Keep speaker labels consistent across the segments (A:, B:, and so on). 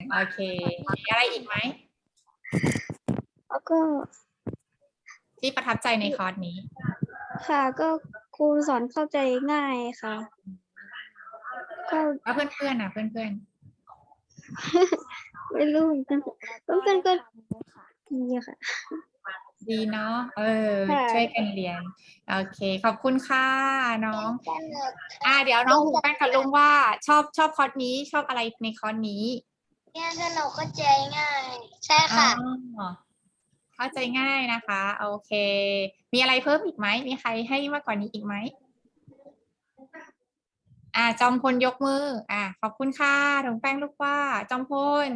A: โอเคมีอะไรอีกไหม
B: แล้วก็
A: ที่ประทับใจในคอร์สนี้
B: ค่ะก็ครูสอนเข้าใจง่ายค่ะ ก็
A: แล้วเพื่อนๆนะเพื่อน
B: ไม่รู้เหมือนกันเพื่อนๆก็ดีค่ะ
A: ๆดีเนาะ
B: ค่ะ
A: ช่วยกันเรียนโอเคขอบคุณค่ะน้องเดี๋ยวน้องหูแป้งกับลุงว่าชอบคอร์สนี้ชอบอะไรในคอร์สนี้
C: เนี่ยสนุกเข้าใจง่าย ใช่ค่ะ
A: อ๋อเข้าใจง่ายนะคะ โอเค มีอะไรเพิ่มอีกไหม มีใครให้มากกว่านี้อีกไหม จอมพลยกมือ ขอบคุณค่ะถุงแป้งลูกว่าจอมพล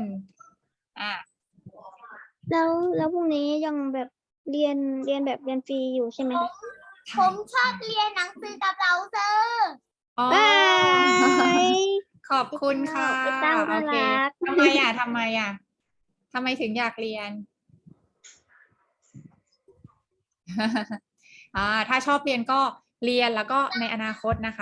B: แล้วพรุ่งนี้ยังแบบเรียนแบบเรียนฟรีอยู่ใช่ไหมคะ
C: ผมชอบเรียนหนังสือกับเราเซอร์
A: อ๋อ
B: บาย
A: ขอบคุณค่ะ
B: ไอ้เต้า
A: โอ
B: น่า
A: เค
B: รัก
A: ทำไมทำไมถึงอยากเรียน ถ้าชอบเรียนก็เรียนแล้วก็ในอนาคตนะคะ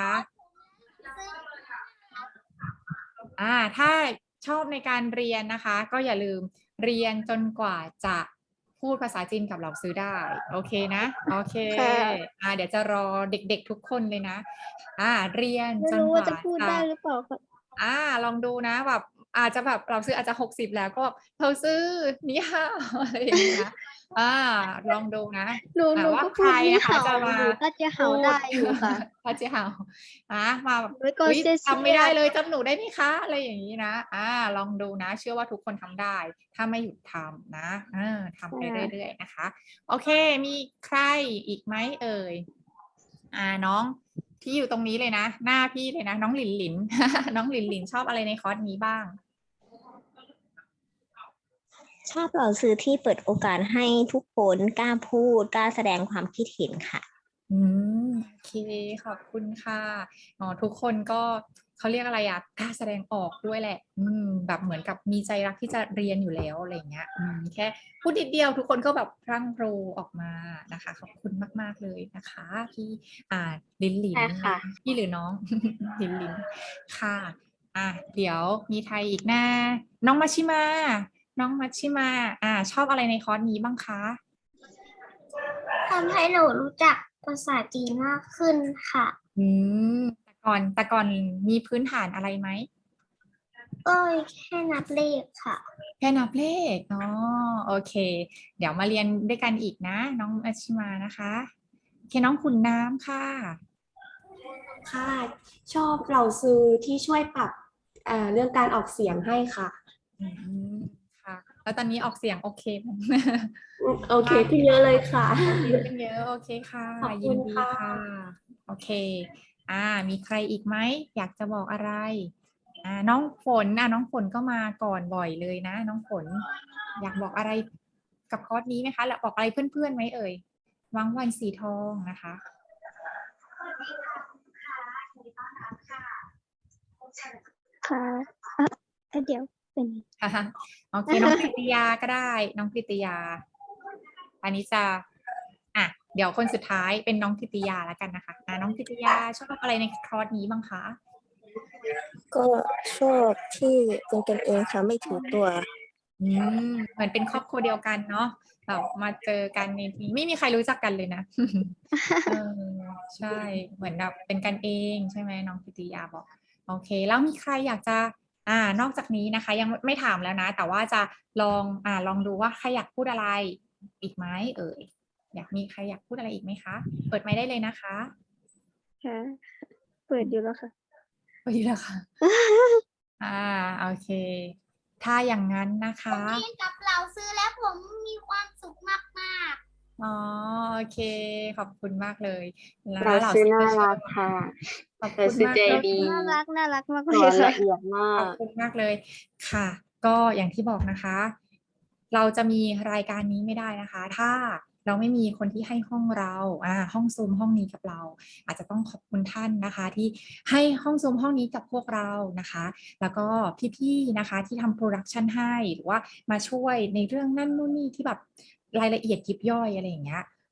A: ถ้าชอบในการเรียนนะคะ ก็อย่าลืมเรียนจนกว่าจะพูดภาษาจีนกับเหล่าซื้อได้ โอเคนะ โอเค
B: ค่ะ
A: เดี๋ยวจะรอเด็กๆทุกคนเลยนะ เรียน
B: ไม่
A: จน
B: รู้
A: ก
B: ว่า
A: ว่า
B: จะพูดได้หรือเปล่าค่ะ
A: ลองดูนะแบบอาจจะแบบเราซื้ออาจจะ60แล้วก็เราซื้อนี่ฮาวอะไรอย่างเงี้ยลองดูนะ
B: หนู
A: ว่า
B: ก็
A: ใค
B: พู
A: ร
B: ดนี่
A: นะคะ
B: เห่า
A: จะมา
B: หนูก็จะเห่า
A: พู
B: ได้อยู่ค่ะ
A: พระเจ้ามาแบบ
B: แล้วก็
A: อุ๊ย
B: เสีย
A: จำไม่ได้เลยจำหนูได้ไหมคะอะไรอย่างนี้นะลองดูนะ เชื่อว่าทุกคนทำได้ ถ้าไม่หยุดทำนะทำไป
B: ค่ะ
A: เรื่อยๆนะคะ โอเค มีใครอีกไหมเอ่ยน้องที่อยู่ตรงนี้เลยนะ หน้าพี่เลยนะ น้องหลินหลิน น้องหลินหลินชอบอะไรในคอร์สนี้บ้าง
D: ชอบเหล่าซื้อที่เปิดโอกาสให้ทุกคนกล้าพูดกล้าแสดงความคิดเห็นค่ะ
A: โอเคขอบคุณค่ะทุกคนก็เขาเรียกอะไรกล้าแสดงออกด้วยแหละแบบเหมือนกับมีใจรักที่จะเรียนอยู่แล้วอะไรเงี้ยแค่พูดนิดเดียวทุกคนก็แบบพรั่งพรูออกมานะคะขอบคุณมากๆเลยนะคะพี่ลินลิน
D: ใช่ค่ะ
A: พี่หรือน้อง ลินลินค่ะเดี๋ยวมีใครอีกนะน้องมัชชิมาชอบอะไรในคอร์สนี้บ้างคะ
C: ทำให้หนูรู้จักภาษาจีนมากขึ้นค่ะ
A: แต่ก่อนมีพื้นฐานอะไรไหม
C: ก็แค่นับเลขค่ะ
A: แค่นับเลขโอเค เดี๋ยวมาเรียนด้วยกันอีกนะ น้องอาชิมานะคะโอเคน้องขุนน้ำค่ะ
E: ค่ะชอบเหล่าซื้อที่ช่วยปรับเรื่องการออกเสียงให้ค่ะ
A: ค่ะ แล้วตอนนี้ออกเสียงโอเคไหม
E: โอเคขึ้นเยอะเลยค่ะ
A: โอเคขึ้นเยอะโอเคค่ะ
E: ขอบ
A: ยิ
E: คุ
A: น
E: ณ
A: ดี
E: ค่ะ
A: ค่ะ โอเคมีใครอีกไหมอยากจะบอกอะไรน้องฝนน้องฝนก็มาก่อนบ่อยเลยนะ น้องฝน อยากบอกอะไรกับคอร์สนี้ไหมคะหรือบอกอะไรเพื่อนๆไหมเอ่ยวังวันสีทองนะคะ
B: ค่ะเดี๋ยวเป็น
A: โอเคน้องกฤติยาก็ได้ น้องกฤติยา อันนี้จะเดี๋ยวคนสุดท้ายเป็นน้องกฤติยาแล้วกันนะคะน้องกฤติยาชอบอะไรในคอร์สนี้บ้างคะ
D: ก็ชอบที่เป็นกันเองค่ะไม่ถือตัว
A: เหมือนเป็นครอบครัวเดียวกันเนาะแบบมาเจอกันในนี้ไม่มีใครรู้จักกันเลยนะ ใช่เหมือนแบบเป็นกันเองใช่ไหมน้องกิติยาบอกโอเคแล้วมีใครอยากจะนอกจากนี้นะคะยังไม่ถามแล้วนะ แต่ว่าจะลองดูว่าใครอยากพูดอะไรอีกไหมเอ่ยมีใครอยากพูดอะไรอีกไหมคะเปิดไมค์ได้เลยนะคะ
B: ค่ะเปิดอยู่แล้วค่ะ
A: เปิดอยู่แล้วค่ะ โอเค ถ้าอย่างนั้นนะคะ
C: เรียนกับเราซื้อแล้วผมมีความสุขมาก
A: โอเค ขอบคุณมากเลยแล้ว
E: เราซื้อน่ารักค่ะ
A: ขอบคุณมาก
E: ใจ
A: เลย
E: ดี
B: น่ารักมาก
E: ส
B: เล
E: อย น
B: ค่ะ
E: ละเอียดมา
A: ขอก บคุณมากเลยค่ะ ก็อย่างที่บอกนะคะ เราจะมีรายการนี้ไม่ได้นะคะ ถ้าเราไม่มีคนที่ให้ห้องเราห้องซูมห้องนี้กับเรา อาจจะต้องขอบคุณท่านนะคะ ที่ให้ห้องซูมห้องนี้กับพวกเรานะคะ แล้วก็พี่ๆนะคะที่ทำโปรดักชันให้หรือว่ามาช่วยในเรื่องนั่นนู่นนี่ที่แบบรายละเอียดยิบย่อยอะไรอย่างเงี้ย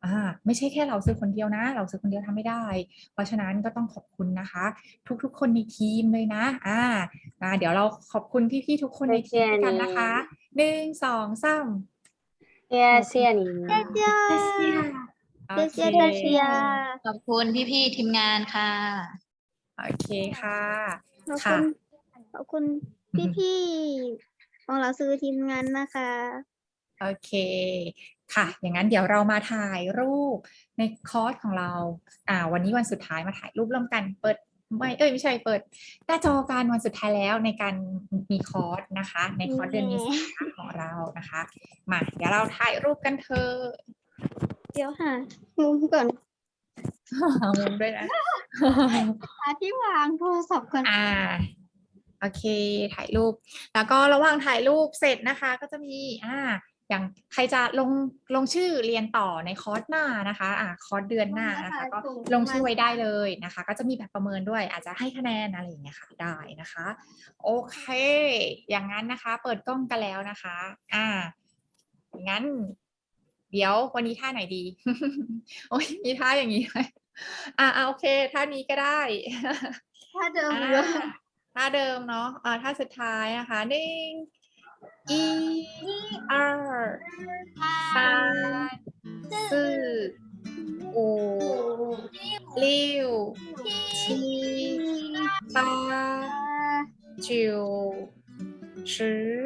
A: ไม่ใช่แค่เราซื้อคนเดียวนะ เราซื้อคนเดียวทำไม่ได้ เพราะฉะนั้นก็ต้องขอบคุณนะคะ ทุกๆคนในทีมเลยนะเดี๋ยวเราขอบคุณพี่ๆทุกคนในทีมด้วยกันนะคะ1 2 3
F: 谢谢你们。
A: โอเค
B: เชียร์
G: ขอบคุณพี่ๆทีมงานค่ะ
A: โอเคค่ะ
B: ขอบคุณพี่ๆของเราซื้อทีมงานนะคะ
A: โอเคค่ะ อย่างนั้นเดี๋ยวเรามาถ่ายรูปในคอร์สของเราวันนี้วันสุดท้ายมาถ่ายรูปร่วมกันเปิดไม่ใช่เปิดหน้าจอกันวันสุดท้ายแล้วในการมีคอร์สนะคะ ในคอร์สเดือนเมษายนของเรานะคะมาเดี๋ยวเราถ่ายรูปกันเถอะ
B: เดี๋ยวหามุมก่อน
A: เอามุมด้วยนะ
B: หาที่วางโทรศัพท์ก่อน
A: โอเคถ่ายรูปแล้วก็ระหว่างถ่ายรูปเสร็จนะคะ ก็จะมีอย่างใครจะลงชื่อเรียนต่อในคอร์สหน้านะคะคอร์สเดือนหน้านะคะก็ลงชื่อไว้ได้เลยนะคะ ก็จะมีแบบประเมินด้วยอาจจะให้คะแนนอะไรอย่างเงี้ยค่ะได้นะคะ โอเค อย่างนั้นนะคะ เปิดกล้องกันแล้วนะคะงั้น เดี๋ยววันนี้ท่าไหนดี โอ้ยมีท่าอย่างนี้ไหมโอเคท่านี้ก็ได้
B: ถ้าเดิม
A: ท่าเดิมเนาะท่าสุดท้ายนะคะE R 三四五六七八九十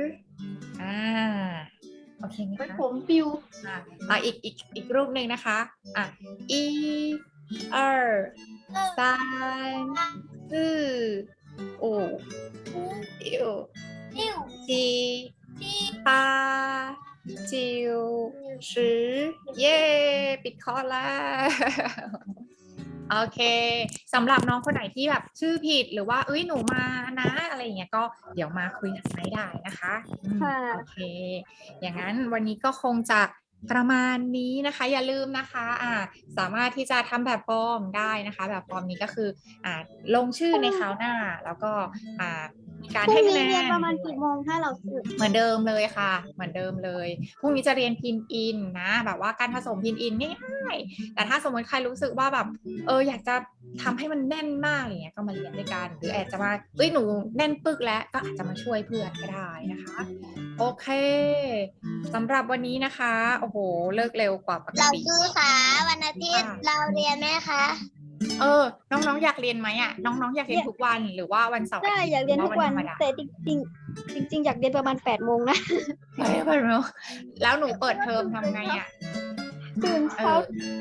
A: โอเคไหมคะ
B: ผมปิว
A: อีกรูปหนึ่งนะคะ一二三四五六七八九十เย้ปิดคอร์สแล้ว โอเคสำหรับน้องคนไหนที่แบบชื่อผิดหรือว่าหนูมานะอะไรอย่างเงี้ยก็เดี๋ยวมาคุยกันไม่ได้นะคะโอเคอย่างนั้นวันนี้ก็คงจะประมาณนี้นะคะอย่าลืมนะคะสามารถที่จะทำแบบฟอร์มได้นะคะแบบฟอร์มนี้ก็คือลงชื่อในคราวหน้าแล้วก็มีการ
B: พรุ่
A: ให้
B: ง
A: คะ
B: นี้
A: แน
B: เรียน
A: น
B: ประมาณกี่โมงถ้าเราซื้อ
A: เหมือนเดิมเลยค่ะเหมือนเดิมเลยพรุ่งนี้จะเรียนพินอินนะแบบว่าการผสมพินอินง่ายๆแต่ถ้าสมมติใครรู้สึกว่าแบบอยากจะทำให้มันแน่นมากอย่างเงี้ยก็มาเรียนด้วยกันหรืออาจจะมาหนูแน่นปึกแล้วก็อาจจะมาช่วยเพื่อนก็ได้นะคะโอเคสำหรับวันนี้นะคะโอ้โหเลิกเร็วกว่าปก
C: เรา
A: ติ
C: ซื้อค่ะวันอาทิตย์เราเรียนไหมคะ
A: น้องๆอยากเรียนไหมน้องๆอยากเรียนทุกวันหรือว่าวันเสาร์อา
B: ได้
A: ทิตย์
B: อยากเรียน
A: ห
B: ทุ
A: อก
B: วัน
A: ธรรมดา
B: แต่จริงอยากเรียนประมาณ8 โมงนะ
A: ไม่เปิดเนอะแล้วหนูเปิดเทอมทำไง
B: ตื่นเช้า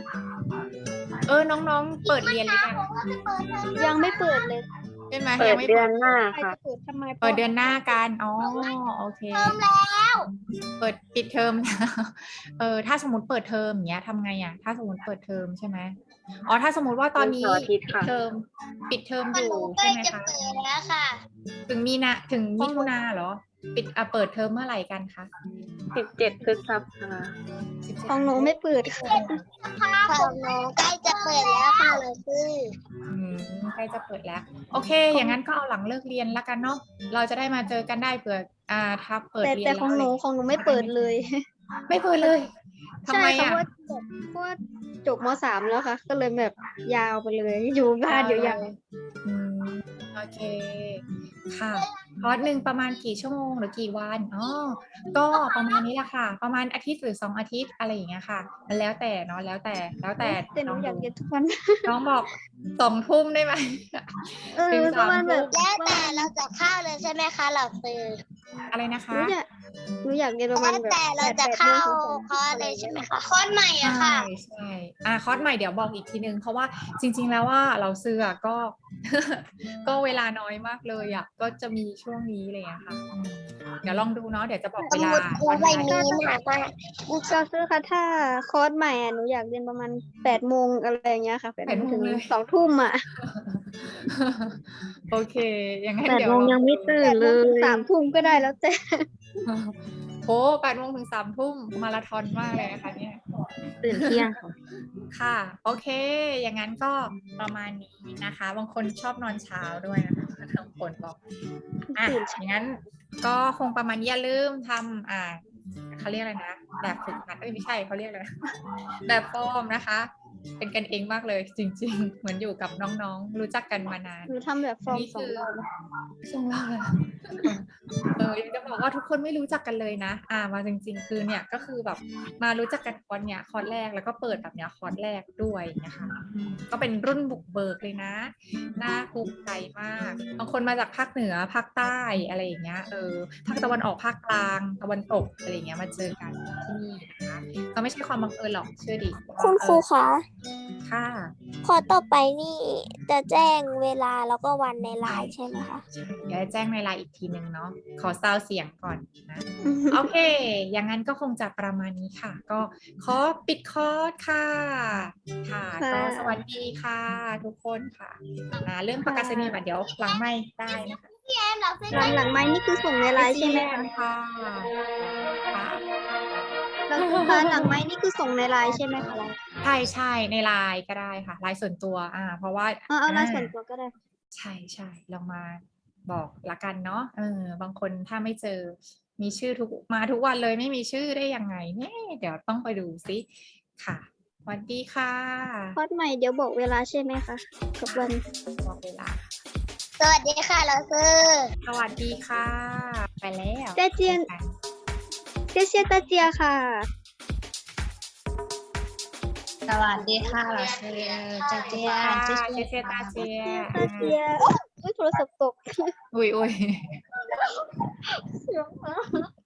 A: น้องๆเปิดเรียนหรือยัง
B: ยังไม่เปิดเลย
A: ใช่ไหม
F: เปิ
A: ยั
F: ด
A: งไม่
F: เดื
A: เปิ
F: อ
A: ด
F: นหน้า
B: ใคร
F: ค่ะ
B: จะเปิดทำไม
A: เปิดเดือนหน้ากันโอเค
C: เริ่มแล้ว
A: เปิดปิดเทอมแล้วถ้าสมมติเปิดเทอมอย่างเงี้ยทำไงถ้าสมมติเปิดเทอมใช่ไหมถ้าสมมติว่าตอนนี้
F: วันเสาร์อาทิตย์
A: ปิด
F: ค่ะ
A: เทอมอ
C: มัน
A: ยู่
C: ใกล้
A: ใช่ไหม
C: จะ
A: คะ
C: เปิดแล้วค่ะ
A: ถึงมิถุนาเหรอเปิดเทอมเมื่อไหร่กันคะ
F: 17 พฤษภา
B: ของหนูไม่เปิดค่ะ
C: ของหนูใกล้จะเปิดแล้วค่ะเราซื้อ
A: ใกล้จะเปิดแล้วโอเค อย่างนั้นก็เอาหลังเลิกเรียนแล้วกันเนาะเราจะได้มาเจอกันได้เผื่อถ้าเปิดเรียน
B: แต่ของหนูไม่เปิดเลย
A: ไม่เปิดเลยทำ
B: ใช่
A: ไม
B: ค่ะเพราะว่าจบม.3 แล้วค่ะ ก็เลยแบบยาวไปเลย อยู่บ้านยาว
A: โอเคค่ะคอร์สหนึ่งประมาณกี่ชั่วโมงหรือกี่วันก็ประมาณนี้แหละค่ะ ประมาณอาทิตย์หรือ2 อาทิตย์อะไรอย่างเงี้ยค่ะมันแล้วแต่เนาะแล้วแต่
B: แต่หนูอยากเรียนทุกวัน
A: น้องบอก2 ทุ่มได้ไหม ถึง
B: ประมาณ
A: 3
B: แบบ
C: แล้วแต่เราจะเข้าเลยใช่ไหมคะเราซื้อ
A: อะไรนะคะ
B: หนูอยากเรียนประมาณ
C: แล้ว
B: แบบ
C: แต่เราจะ
B: 8
C: เข้า
B: โมง
C: คอร์สเลยใช่ไหมคะคอร์สใหม่อะค่ะ
A: ใช่คอร์สใหม่เดี๋ยวบอกอีกทีนึงเพราะว่าจริงๆแล้วว่าเราซื้อก็ ก็เวลาน้อยมากเลยก็จะมีช่วงนี้อะไรอย่างเงี้ยค่ะเดี๋ยวลองดูเนาะเดี๋ยวจะบอก
C: ส
A: เวลา
C: มุดครูใบนี้หนักมาก
B: ก็ซื้อค่ะถ้าคอร์สใหม่หนูอยากเรียนประมาณ8 โมงอะไรอย่างเงี้ยค่ะ8 โมงถึง2 ทุ่ม
A: โอเคอย่างนั้น
F: 8
A: เดี๋ยว
F: โมงยังไม่ตื่น
B: 8
F: เล
B: โมงถึง
F: ย
B: 3 ทุ่มก็ได้แล้วแต่
A: 8 โมงถึง3 ทุ่มมาราธอนมากเลยนะคะเนี่ย
F: ตื่นเที่ยงค่ะ
A: ค่ะโอเคอย่างนั้นก็ประมาณนี้นะคะบางคนชอบนอนเช้าด้วยนะคะทั้งคนบอกอย่างนั้นก็คงประมาณนี้อย่าลืมทำเขาเรียกอะไรนะแบบฝึกหัดไม่ใช่เขาเรียกอะไรนะแบบฟอร์มนะคะ เป็นกันเองมากเลยจริง ๆ เหมือนอยู่กับน้องๆรู้จักกันมานาน
B: หนูทำแบบฟอร์ม
A: นี่
B: สอ
A: คื
B: ง
A: อ
B: รอบแล้ว
A: ช่วงแรกเลยยังจะบอกว่าทุกคนไม่รู้จักกันเลยนะมาจริง ๆ คือเนี่ยก็คือแบบมารู้จักกันคอร์สเนี่ยคอร์สแรกแล้วก็เปิดแบบเนี้ยคอร์สแรกด้วยนะคะก็เป็นรุ่นบุกเบิกเลยนะน่าภูมิใจมากบางคนมาจากภาคเหนือภาคใต้อะไรอย่างเงี้ยภาคตะวันออกภาคกลางตะวันตกอะไรอย่างเงี้ยมาเจอกันที่นี่นะคะก็ไม่ใช่ความบังเอิญหรอกเชื่อดิ
C: คุณครูคะ
A: ค่ะ
C: พอต่อไปนี่จะแจ้งเวลาแล้วก็วันในไลน์ใช่ไหมคะ
A: เดี๋ยวจะแจ้งในไลน์อีกทีนึงเนาะขอซาวเสียงก่อนนะ โอเค อย่างนั้นก็คงจะประมาณนี้ค่ะ ก็ขอปิดคอร์สค่ะ ค่ะ ก็สวัสดีค่ะ ทุกคนค่ะเรื่องประกาศนียบัตรเดี๋ยวหลังไม่ได้นะคะ
B: หลังไม้นี่คือส่งในไลน์ใช่ไหมคะ
A: ค่ะค่ะ
B: แล้วคะหลังไม้นี่คือส่งในไลน์ใช่ไหมคะ
A: ใช่ในไลน์ก็ได้ค่ะไลน์ส่วนตัวเพราะว่า
B: เอาไลน์ส่วนตัวก็ได้
A: ใช่ลองมาบอกละกันเนาะบางคนถ้าไม่เจอมีชื่อมาทุกวันเลยไม่มีชื่อได้ยังไงเนี่ยเดี๋ยวต้องไปดูซิค่ะสวัสดีค่ะ
B: คอร์สใหม่เดี๋ยวบอกเวลาใช่ไหมคะกับวัน
A: บอกเวลา
C: สวัสดีค่ะเราซื้อ
A: สวัสดีค่ะ ไปแล้ว
B: เจเจียน เจเจียตาเจียค่ะ
G: สวัสดีค่ะเราชื่อเจเจีย
A: เจเจตาเจีย
B: ตาเจียโอ้ยโทรศัพท์ตก
A: อุ้ย